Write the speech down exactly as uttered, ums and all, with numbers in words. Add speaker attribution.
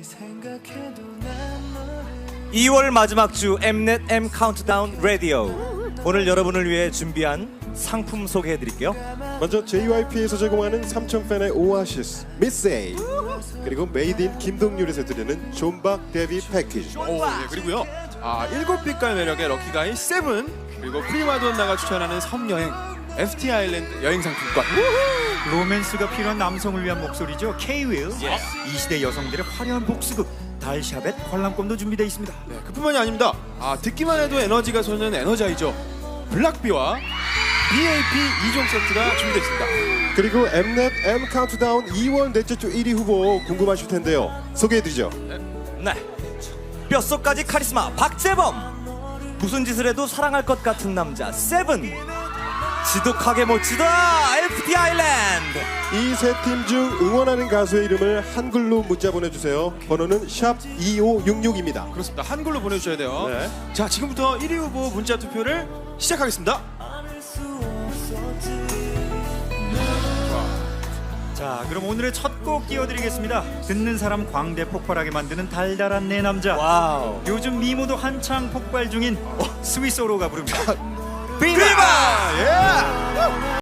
Speaker 1: 이월 마지막 주 엠넷 M 카운트다운 라디오. 오늘 여러분을 위해 준비한 상품 소개해드릴게요.
Speaker 2: 먼저 제이와이피에서 제공하는 삼천 팬의 오아시스 미스 A, 그리고 메이드 인 김동률에서 드리는 존박 데뷔 패키지.
Speaker 3: 오, 네, 그리고요. 아, 일곱 빛깔 매력의 럭키가이 세븐, 그리고 프리마돈나가 추천하는 섬여행 에프티 아일랜드 여행 상품권.
Speaker 4: 로맨스가 필요한 남성을 위한 목소리죠. K-윌. 이 시대 여성들의 화려한 복수극 달샤벳 관람권도 준비되어 있습니다.
Speaker 3: 네, 그뿐만이 아닙니다. 아, 듣기만 해도 에너지가 솟는 에너자이저 블락비와 비에이피 이 종 세트가 준비되어 있습니다.
Speaker 2: 그리고 엠넷 M 카운트다운 이월 넷째 주 일 위 후보 궁금하실 텐데요. 소개해드리죠.
Speaker 1: 네, 뼛속까지 카리스마 박재범. 무슨 짓을 해도 사랑할 것 같은 남자 세븐. 지독하게 멋지다 에프티 아일랜드.
Speaker 2: 이 세 팀 중 응원하는 가수의 이름을 한글로 문자 보내주세요. 번호는 샵 이오육육입니다.
Speaker 3: 그렇습니다. 한글로 보내주셔야 돼요.
Speaker 2: 네.
Speaker 3: 자, 지금부터 일 위 후보 문자 투표를 시작하겠습니다.
Speaker 4: 자, 그럼 오늘의 첫 곡 띄워드리겠습니다. 듣는 사람 광대 폭발하게 만드는 달달한 내 남자.
Speaker 1: 와우.
Speaker 4: 요즘 미모도 한창 폭발 중인 스위스로가 부릅니다.
Speaker 1: 비바.
Speaker 3: 예!